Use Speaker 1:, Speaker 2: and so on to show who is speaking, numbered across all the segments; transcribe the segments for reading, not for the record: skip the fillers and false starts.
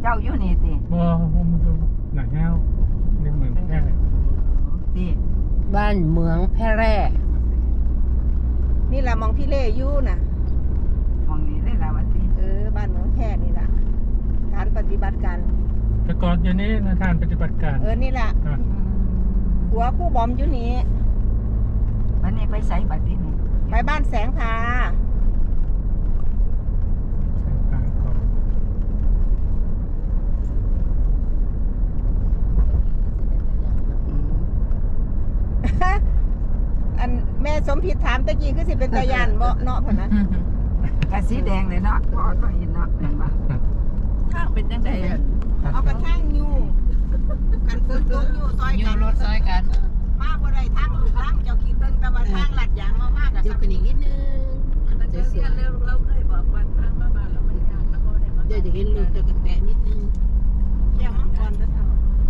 Speaker 1: ก้าอยู่นี่ติ
Speaker 2: บ่ผมอยู่หน้าเงาในเมืองแพร่
Speaker 1: ติ
Speaker 3: บ้านเมืองแพร่
Speaker 4: นี่แหละมองพี่เล่อยู่น่ะ
Speaker 1: มองนี่ได้แล้วว่าติ
Speaker 4: บ้านเมืองแพร่นี่ล่ะฐานปฏิบัติการ
Speaker 2: แต่ก่อนอยู่นี่นะทานปฏิบัติการ
Speaker 4: นี่ล่ะหัวคู่บอมอยู่นี่
Speaker 1: วันนี้ไปไสบัดนี้นี่
Speaker 4: ไปบ้านแสงพาอันแม่สมผิดถามตะกี้คือสิเป็นตะยานบ่เนาะพ่นนะ
Speaker 1: กะสีแดงเลยเนาะพอก็เห็นเนาะแม่นบ่ข้างเป็นจังได๋
Speaker 4: เอากระทั่งอยู่กันฝนตกอยู่ซอยกัน
Speaker 3: รถซอยกัน
Speaker 4: มาบ่ได้ทางลูกหลังเจ้าคิดเบิ่งแต่ว่าทางลัดยางมามากก็
Speaker 3: ขึ้นอีกนิดนึง
Speaker 1: มันจะเรียนเราเคยบอกว่าทางมาบ้านเรามันยากแล้วบ่ได้มา
Speaker 3: เดี๋ยวจะเห็นลูกจะกระแตะนิดนึง
Speaker 4: แก้วมังกรแล้วเท่า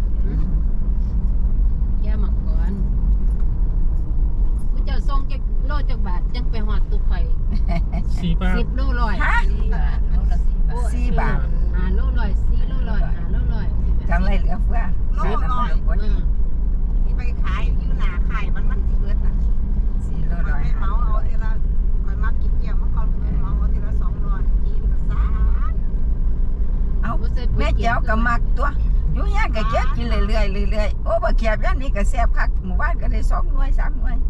Speaker 3: แก้วมังกรผู้เจ้าส่งจักโลจักบาทจังไปฮอดตู้ไฟ
Speaker 2: 4 บาท
Speaker 3: 10 โลร้อยโลละ
Speaker 1: 4 บาท
Speaker 3: 5 โลร้อย4 โลร้อย5 โลร้อย
Speaker 1: กำไรเหลือเฟือซื้อน้ำมันบ่ดี
Speaker 4: ที่ไปขายอยู่หน้าขายมันสิเบิดน่ะ
Speaker 1: 4 โลร้อย
Speaker 4: ไปเหมาเอาทีละข่อยมักกินแก้วมังกรไปเหมาเอาทีละ200กินก็ซ่า
Speaker 1: เอาแม่เจ้าก็มักตัวอยู่ย่างก็เก็บกินเรื่อยๆโอ้บ่เก็บอย่างนี้ก็แซ่บคักหมู่บ้านก็ได้2 หน่วย 3 หน่วย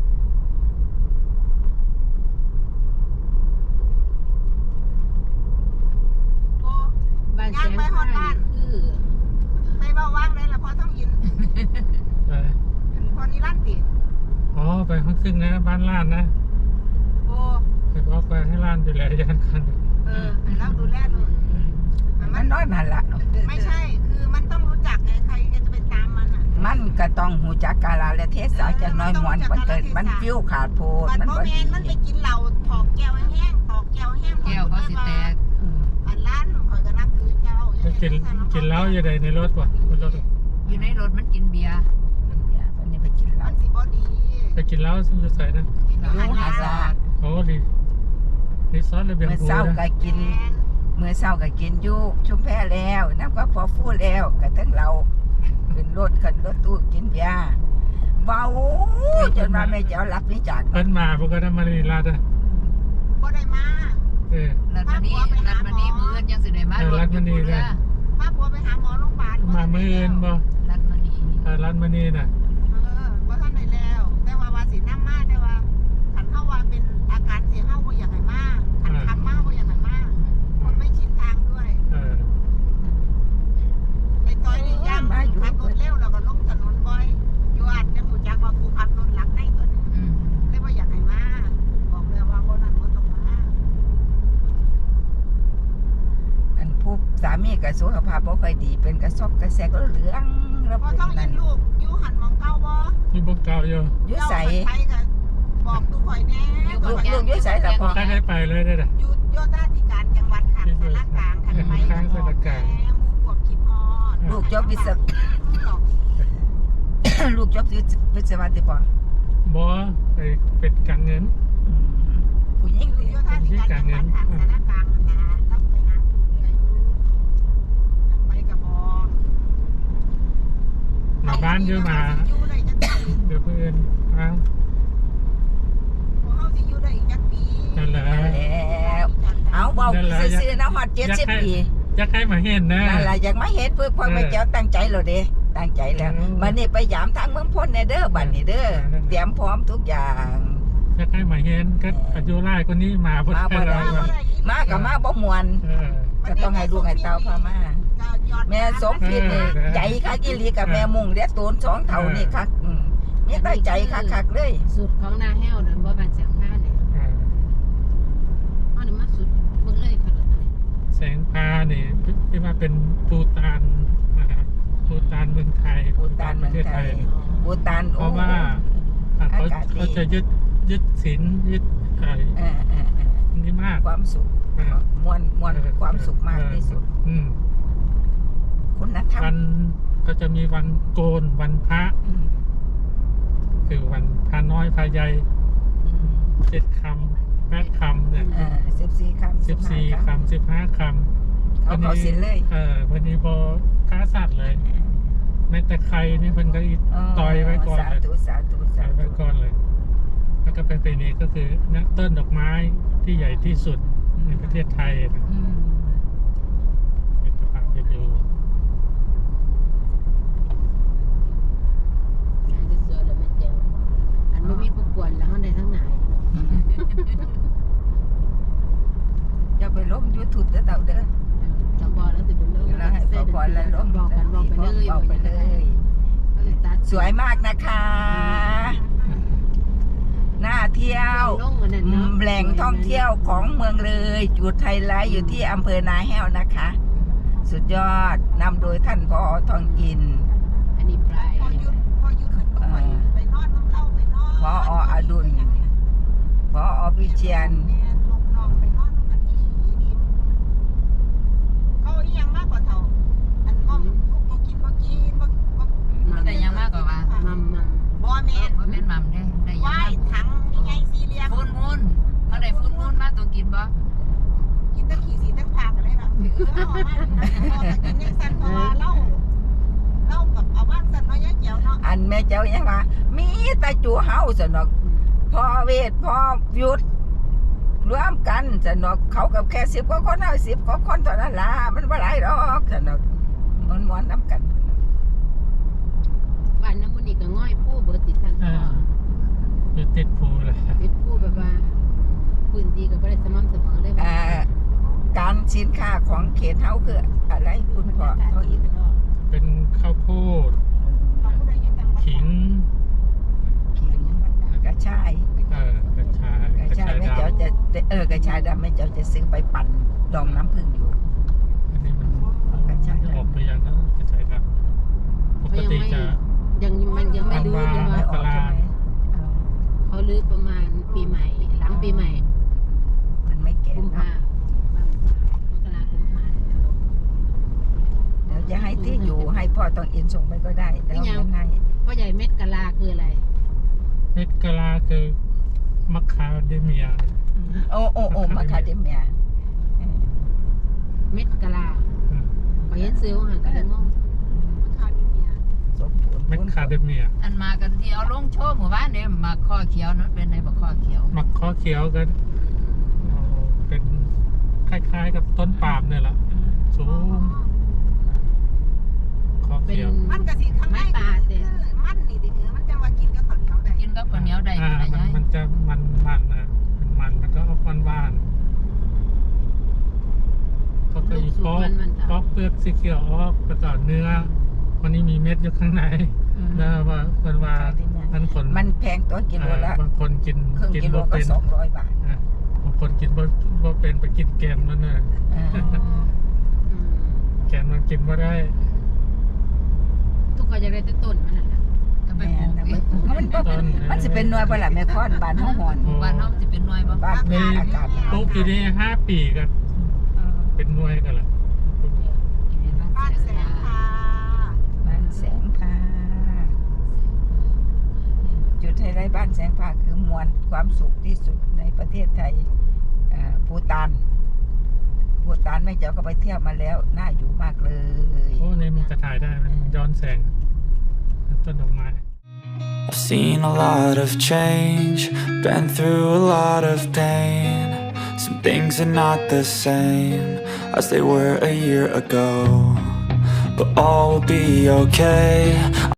Speaker 3: บ้านแสงพาคือ
Speaker 4: ไปเบาว่างเลยล่ะพอต้องยินพอนี่ลั่นติ
Speaker 2: อ๋อไปข้างขึ้นนะบ้านล้านนะ
Speaker 4: โอ้
Speaker 2: ไปบอกไปให้ล้านดูแลยันกัน
Speaker 4: ให้เราดูแลดู
Speaker 1: มันน้อยนั่นล่ะ
Speaker 4: ไม่ใช่คือมันต้องรู้จักไงใครจะไปตามมันอ่ะ
Speaker 1: มันก็ต้องหูจักกาลและเทศะจังน้อยหมวนมันเกิดมันฟิวขาดโพด
Speaker 4: มันบ่แม่นมันไปกินเหล้าถอกแก้วแห้งถอกแก้วแห้ง
Speaker 3: แก้วเขาสิแตก
Speaker 4: อันร้านข่อยก็นับถือเจ้า
Speaker 2: กินเหล้าอยู่ในรถวะบนรถ
Speaker 3: อยู่ในรถมันกินเบียร์
Speaker 1: วันนี้ไปกินเหล้า
Speaker 4: มันสิบ่ดี
Speaker 2: ไปกินเหล้าซึ่งจะใส่นะ
Speaker 1: รู้หาซา
Speaker 2: โอ้ดีรีสอร์ทระเบียง
Speaker 1: เมื่อเช้าก็กินอยู่ชุมแพแล้วน้ำก็พอฟู่แล้วก็ถึงเราขึ้นรถตู้กินเบียร์เบาจนว่าแม่เจ้ารับนี่จาก
Speaker 2: เพิ่นมาพวกก็ทำมาในรัฐอ่ะ
Speaker 4: บ่ได้มา
Speaker 3: รัฐมณีมื้อยังสิได้มา
Speaker 2: รัฐมณีเลย
Speaker 4: มาผัวไปหาหมอโรงพยาบาล
Speaker 2: มามื้อบ่
Speaker 3: รัฐมณี
Speaker 2: น่ะ
Speaker 4: บ่ทันได้แล้วแต่ว่าสินำมาแต่ว่าคันเฮาว่าเป็นอาการสิเฮาบ่อยากให้มาคันทำมาบ่อยากให้มาคนไม่ชินทางด้วยไอ้ต้อยนี่ย่างขับรถเร็วแล้วก็ลงถนนบ่อยอยู่อาจจะหูจักว่ากูขับรถหลังได้ตัวนี้เลยบ่อยากให้มาบอกเลยว่าบ่นั้นบ่ต้องมา
Speaker 1: อันผู้สามีก็สุขภาพบ่ค่อยดีเป็นกระซอกกระแสกเหลือง
Speaker 4: แล้วบ่ต้องเห็นลูกอยู่หันมองเก้าบ่
Speaker 2: อยู่บ่เก่าอยู่
Speaker 1: ใส่
Speaker 4: บอกตู้ข่อยแน่
Speaker 1: ลูกอยู่ใส่แต่พอ
Speaker 2: ได้ไปเลยได้
Speaker 4: อยู่โยธาธิการจังหวัดขันสารกลางขันไป
Speaker 2: ข้างสารกลาง
Speaker 4: หมู่พวกคิดฮอด
Speaker 1: ลูกจบวิศวะลูกจบวิศวะติบ่
Speaker 2: บ่ไปเป็นการเงิน
Speaker 1: ผู้หญิง
Speaker 4: โยธาธิการจังหวัดขันสารกลางนะต้องไปหาถูกเลยไปกับบ่
Speaker 2: มาบ้านเยอะมาเดี๋ยวเพื่อน
Speaker 4: เฮาสิอยู่ได้อีกจักปี
Speaker 2: นั่นแหละ
Speaker 1: แล้วเอาเบาซื่อๆนะฮอด70 ปี
Speaker 2: อยากให้มาเห็นนะ
Speaker 1: นั่นล่ะอยากมาเห็นเพื่อพ่อแม่เจ้าตั้งใจแล้วเด้ตั้งใจแล้วบัดนี้ไปยามทางเมืองพ้นแน่เด้อบัดนี้เด้อเตรียมพร้อมทุกอย่าง
Speaker 2: อยากให้มาเห็นก็อายุรายคนนี้มาบ่ได้
Speaker 1: มาก็มาบ่ม่วนก็ต้องให้ลูกให้เต้าพามาแม่สมผิดนี่ใจคักอีหลีกับแม่มุ่งเด้อตูน2เท่านี่คักมีตั้งใจคักๆเลย
Speaker 3: สุดของนาแห้วนั่นบ่บ้านแสงพาเนี่ยอันนี้มาสุดเบิ่งเลยค่ะ
Speaker 2: แสงพานี่ที่ว่าเป็นปูตานนะครับปูตานเมืองไทย
Speaker 1: ปูตานประเทศไทยปูตาน
Speaker 2: เพราะว่าเขาจะยึดศีลยึดนี่มาก
Speaker 1: ความสุขมวลความสุขมากที่สุดคุณธรรม
Speaker 2: วันก็จะมีวันโกนวันพระคือวันพระน้อยพระใหญ่7 คำ8 คำเนี่ย
Speaker 1: 14 คำ
Speaker 2: 15 คำ
Speaker 1: เอาเขาสินเลย
Speaker 2: พอดีพอค้าสัตว์เลยแม้แต่ใครนี่เพิ่นก็ต่อยไว้ก่อน
Speaker 1: สา
Speaker 2: เลย
Speaker 1: ธุสาธุ
Speaker 2: ต่
Speaker 1: สา
Speaker 2: อยไว้
Speaker 1: ธุ
Speaker 2: ก่อนเลย แล้วก็เป็นปีนี้ก็คือนะต้นดอกไม้ที่ใหญ่ที่สุดในประเทศไทยนะ
Speaker 1: อืม
Speaker 2: เป็นสภาพไปดู
Speaker 3: งานจะสวยแล้วแม่แจ๋วอันบ่มีผู้กวนแล้วเฮาได้ทั้งหลาย
Speaker 1: อย่าไปลง YouTube เด้อเต่าเด้อ
Speaker 3: ถ้าพอแล้วสิเป็นเรื่อง
Speaker 1: แล้วให้พอแล้วลง
Speaker 3: บอกกันบอกไปเลย
Speaker 1: บอกไปเลย
Speaker 3: ก็เลยตัด
Speaker 1: สวยมากนะคะน่าเที่ยว
Speaker 3: ลงอันนั้นเนาะ
Speaker 1: แหล่งท่องเที่ยวของเมืองเลยจุดไฮไลท์อยู่ที่อำเภอนาแห้วนะคะ สุดยอดนำโดยท่านผอ.ทองอิน
Speaker 3: อันนี้ปลาย
Speaker 4: พอหยุดมันก็ไปนอนน้ำเล่าไปนอน
Speaker 1: ผอ.อดุลผอ.วิเชียน
Speaker 4: ลูกน้องไปนอนน้ำกันดีเขาอีหยังมากกว่าเท่าอันบ่กินบ่
Speaker 5: ได้ยังมากกว่าว่า
Speaker 3: มัม
Speaker 4: บ่แม่น
Speaker 5: บ่แม่นหม่ำได้ยัง
Speaker 4: ว่าย
Speaker 5: มาก
Speaker 4: ถังใหญ่สี่เหลี่ยม
Speaker 5: ฟูนมูนเมื่อใดฟูนมูนมาตัวกินบ่
Speaker 4: กินตะขี่สีตะพากอะไรแบบเอามากินยังสั่นเพราะว่าเล่ากับเอาบ้านสั่นน้อยแจ๋วเนาะ
Speaker 1: อันแม่เจ้ายังว่ามีแตาจูเฮาสนอกพ่อเวทพ่อยุดรวมกันสนอกเขากับแค่10 กว่าคนเอา10 กว่าคนเท่านั้นล่ะมันบ่หลายดอกสนอกม้วนๆน้ำกัน
Speaker 3: บ้านน้ำมันนี่ก็ง่อยผู้เบิดติดทางพ่อ
Speaker 2: อยู่ติดภูเลย
Speaker 3: ติดผู้แบบว่าพื้นที่ก็บ่ได้สม่ำเสมอเลย
Speaker 1: การสินค้าของเขตเฮาคืออะไรคุณพ่อเขาอีก
Speaker 2: เป็นข้าวโพดขิง
Speaker 1: กระชาย
Speaker 2: กระชาย
Speaker 1: กระชายแม่
Speaker 2: ด
Speaker 1: เจ้าจะกระชายดำแม่เจ้าจะซื้อไปปั่นดองน้ำผึ้งอยู่
Speaker 2: ำอันนี้มันออกไปยังนะกระชายดำปกติจะ
Speaker 3: ยังมันยังไม่รู้เลย
Speaker 1: ไม่
Speaker 3: ว่า
Speaker 1: ออกใช่ไหม
Speaker 3: เขาลื้อประมาณปีใหม่หลังปีใหม่
Speaker 1: มันไม่แก่
Speaker 3: กุม
Speaker 1: เนาะ
Speaker 3: ภามกรากุมภา
Speaker 1: เดี๋ยวจะให้ที่อยู่ให้พ่อต้องอินส่งไปก็ได้แล้วเงินให้
Speaker 3: พ่อใหญ่เม็ดกะลาคืออะไร
Speaker 2: เม็ดกะลาคือมะคาเดเมีย
Speaker 1: โอ้มาคาเดเมีย
Speaker 3: เม็ดกะลาขอเห็นซื้อว่าหันกะเลยงง
Speaker 1: สมบูรณ์
Speaker 2: เม็ดคาเดเมีย
Speaker 5: อันมากันที่เอาลงโชว์หมู่บ้านเนี่ยมาข้อเขียวนั้นเป็นในบ่ข้อเขียว
Speaker 2: มักข้อเขียวกันเป็นคล้ายๆกับต้นปาล์มเนี่ยแหละสูงข้อ
Speaker 3: เป็น
Speaker 2: เขียว
Speaker 4: มันกะสิข้างในมันนี่ดิมันจะว่ากินกับข้าวเหนียวได้
Speaker 5: กินกับข้าวเหนียวได้
Speaker 2: อ่า
Speaker 5: นะยาย
Speaker 2: มันจะมันนะเป็นมันแล้วก็ออกหวานๆเขาก็อีกปอกเปลือกสีเขียวออกประกอบเนื้อวันนี้มีเม็ดอยู่ข้างในนะว่าเป็นว่ามันผล
Speaker 1: มันแพงตัวกิโลละ
Speaker 2: บางคนกิน
Speaker 1: ครึ่ง
Speaker 2: กิน
Speaker 1: กิโล
Speaker 2: บ่
Speaker 1: ก็
Speaker 2: เป็น
Speaker 1: 200 บาท
Speaker 2: บางคนกินบ่เป็นไปกินแกนมันน่ะแกนมันกินบ่ได้
Speaker 3: ทุกคนจะได้ต้นมันนั่นแหละ
Speaker 5: จะไป
Speaker 1: แม่
Speaker 5: ปลูก
Speaker 1: นะมันสิเป็นหน่วยบ่ล่ะแม่ค้อนบ้านเฮาฮ้อน
Speaker 5: บ้านเฮาสิเป็นหน่วยบ่
Speaker 1: บ้านแม่อากาศ
Speaker 2: ปลูกอยู่นี่5 ปีกันเป็นหน่วยกันแหละ
Speaker 4: บ้านแสงพา
Speaker 1: บ้านแสงพาจุดไฮไลท์บ้านแสงพาคือมวลความสุขที่สุดในประเทศไทยภูฏานแม่เจ้าก็ไปเที่ยวมาแล้วน่าอยู่มากเลย
Speaker 2: โอ้นี่มันจะถ่ายได้มันย้อนแสงต้นดอกไม้
Speaker 6: I've seen a lot of change, been through a lot of pain. Some things are not the same as they were a year ago, but all will be okay.